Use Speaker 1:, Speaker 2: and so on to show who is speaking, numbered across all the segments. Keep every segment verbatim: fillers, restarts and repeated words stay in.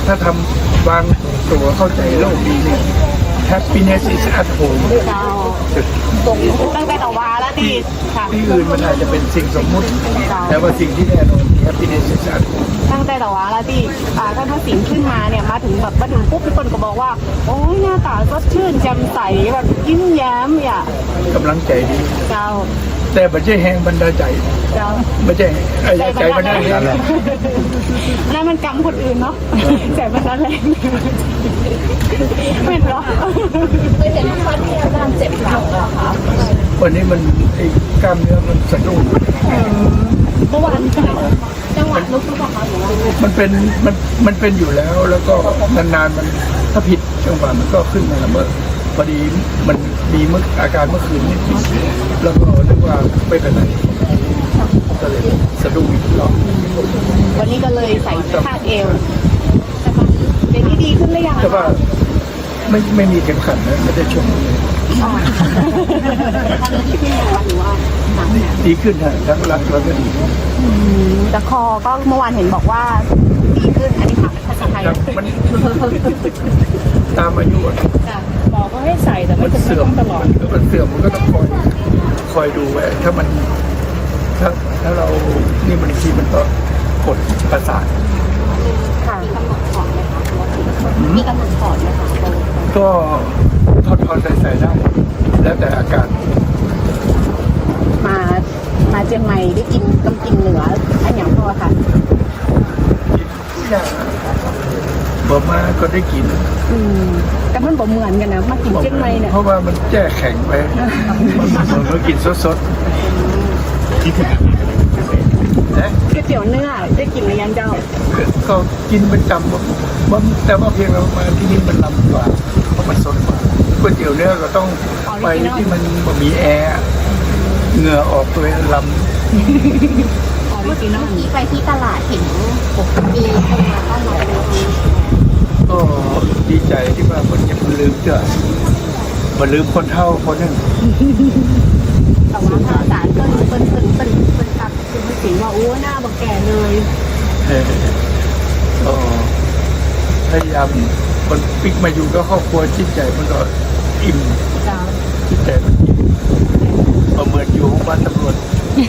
Speaker 1: ถ้าทำวางตัวเข้าใจโลกดีเนี่ย happiness is at home
Speaker 2: ตรงตั้งแต่ต่อวาแล้วที่ค่ะ
Speaker 1: ที่อื่นมันอาจจะเป็นสิ่งสมมุติแต่ว่าสิ่งที่แน่นอน happiness is at home
Speaker 2: ตั้งแต่ต่อวาแล้วที่อ่าท่านทักษิณขึ้นมาเนี่ยมาถึงแบบมาถึงปุ๊บทุกคนก็บอกว่าโอ้ยหน้าตาสดชื่นแจ่มใสแบบยิ้มแย้มอ่ะ
Speaker 1: กำลังใจดี
Speaker 2: เจ้า
Speaker 1: แต่ไม่ใช่แห้งบรรดาใจ
Speaker 2: เจ้า
Speaker 1: ไม่ใช่ไอ้ใจบรรดาแห้ง
Speaker 2: นั่นมันกรรมคนอื่นเนาะใจมันนั่นแหละเป็นหรอเคยเห็นคนที่อาการเจ็บหลังเหรอคะ
Speaker 1: วันนี้มันไอ้กล้ามเนื้อมันสะดุ้ง
Speaker 2: เมื่อวานจังหวะลุกทุกคนหรือว่า
Speaker 1: มันเป็นมันมันเป็นอยู่แล้วแล้วก็นานๆมันถ้าผิดจังหวะมันก็ขึ้นมาละเมื่อพอดีมันมีเมื่ออาการเมื่อคืนนิดนิดแล้วก็นึกว่าไม่เป็นไรก็เลยสะดุ้งอีกรอบ
Speaker 2: วันนี้ก็เลยใส่คาดเอวเดี๋ยวนี้ดีขึ้นหรือยัง
Speaker 1: แต่ว่าไม่ไม่มีเข็มขัดนะไม่ได้ชมเลยดีขึ้นฮะทั้งรักแล้วก็ดี
Speaker 2: แต่คอก็เมื่อวานเห็นบอกว่าดีขึ้นอันนี้ค่ะภาษาไทย
Speaker 1: มันตามอายุ
Speaker 2: หมอก็ให้ใส่แต่
Speaker 1: มั
Speaker 2: ไม่
Speaker 1: น
Speaker 2: จำเป็น
Speaker 1: เสื่อม
Speaker 2: ต้องตลอด
Speaker 1: มันเสื่อมมันก็ต้องคอยคอยดูไว้ถ้ามันถ้าถ้าเรานี่มันทีมันก็กดประสาท
Speaker 2: ค่ะกำหนดถอดไหมคะมีกำหนดถอดไหมคะ
Speaker 1: ก็ทอดทอดใส่ใส่ได้ แล้วแต่อาการ
Speaker 2: มามาเชียงใหม่ได้กินกำกินเหนืออันอย่างพอค่ะ
Speaker 1: อย่างบอมาก็ได้กิน
Speaker 2: อืมแต่มันบ่เหมือนกันนะมากินเชียงใหม่เนี่ย
Speaker 1: เพราะว่ามันแจ้แข็งไปมันก็กินสดๆคิดถึงนะ
Speaker 2: ก๋วยเตี๋ยวเนื้อได้กินหรือยังเจ้า
Speaker 1: ก็กินประจำว่าแต่ว่าเพียงเรามาที่นี่มันลำกว่าเพราะมันสดกว่าก๋วยเตี๋ยวเนื้อก็ต้องไปที่มันมีแอร์เหงื่อออกตัวลำ
Speaker 2: เมื่อกี้น้อง
Speaker 3: ที่ไปที่ตลาดเห็นมีคนมาต้อนรับ
Speaker 1: ก็ดีใจที่ว่าคนยังลืมเจ้ามาลืมคนเท่าคนนึง
Speaker 2: แต่ว่าภาษาเปิ้นเปิ้นเปิ้นเปิ้นเปิ้นตัดคุณภาษีว่าโอ้หน้าบักแก่เลย
Speaker 1: เออก็พยายามคนปิกมาอยู่ก็ครอบครัวจิตใจมันก็อิ่ม
Speaker 2: เจ้า
Speaker 1: จิตใจมันอิ่มก็เหมือนอยู่ห้องบ้านตำรวจ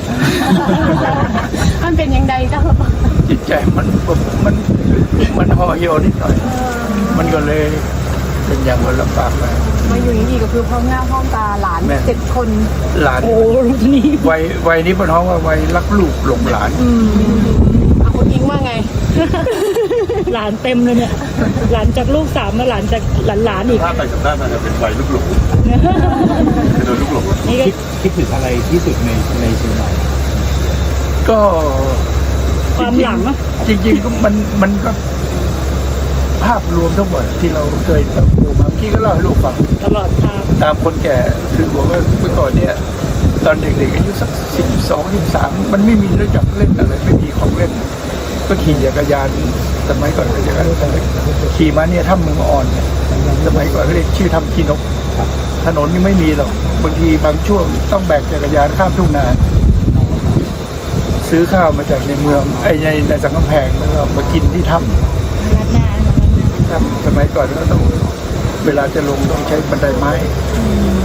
Speaker 2: มันเป็นยังไงเจ้า
Speaker 1: จิตใจมันมันมันห่อเหี่ยวนิดหน่อย มันก็เลยเป็นอย่างมันลำบากไป
Speaker 2: มาอยู่อย่างนี้ก็คือพร้อมหน้าพร้อมตาหลานเจ็ดคน
Speaker 1: หลาน
Speaker 2: โอ้นี่
Speaker 1: วัยวัยนี้เป็นห้องว่าวัยรักลูกหลงหลาน
Speaker 2: อืมเอาคนยิงว่าไง
Speaker 4: หลานเต็มเลยเนี่ย หลานจากลูกสามมาหลานจากหลานหลานๆอีก
Speaker 5: ถ้าไปกับด้านมันจะเป็นวัยลูกหลงจะโดนลูกหลง
Speaker 4: นี่ก็
Speaker 5: คิดคิดถึงอะไรที่สุดในในเชียงใหม่
Speaker 1: ก็
Speaker 4: ความหลังอะ
Speaker 1: จริงๆก็มันมันก็ภาพรวมทั้งหมดที่เราเคยเติบโตมาพี่ก็เล่าให้ลูกฟัง
Speaker 4: ตลอดทาง
Speaker 1: ตามคนแก่คือบอกว่าเมื่อก่อนเนี่ยตอนเด็กๆอายุสักสิบสองสิบสามมันไม่มีรู้จักเล่นอะไรไม่มีของเล่น ก็ขี่จักรยานสมัยก่อนก็จะขี่มาเนี่ยถ้ำเมืองอ่อนเนี่ยสมัยก่อนเรียกชื่อถ้ำขี้นกถนนนี่ไม่มีหรอกบางทีบางช่วงต้องแบกจักรยานข้ามทุ่งนาซื้อข้าวมาจากในเมืองไอ้ในในสังกำแพงแล้วก็มากินที่ถ้ำถ้ำสมัยก่อนก็ต้องเวลาจะลงต้องใช้บันไดไม้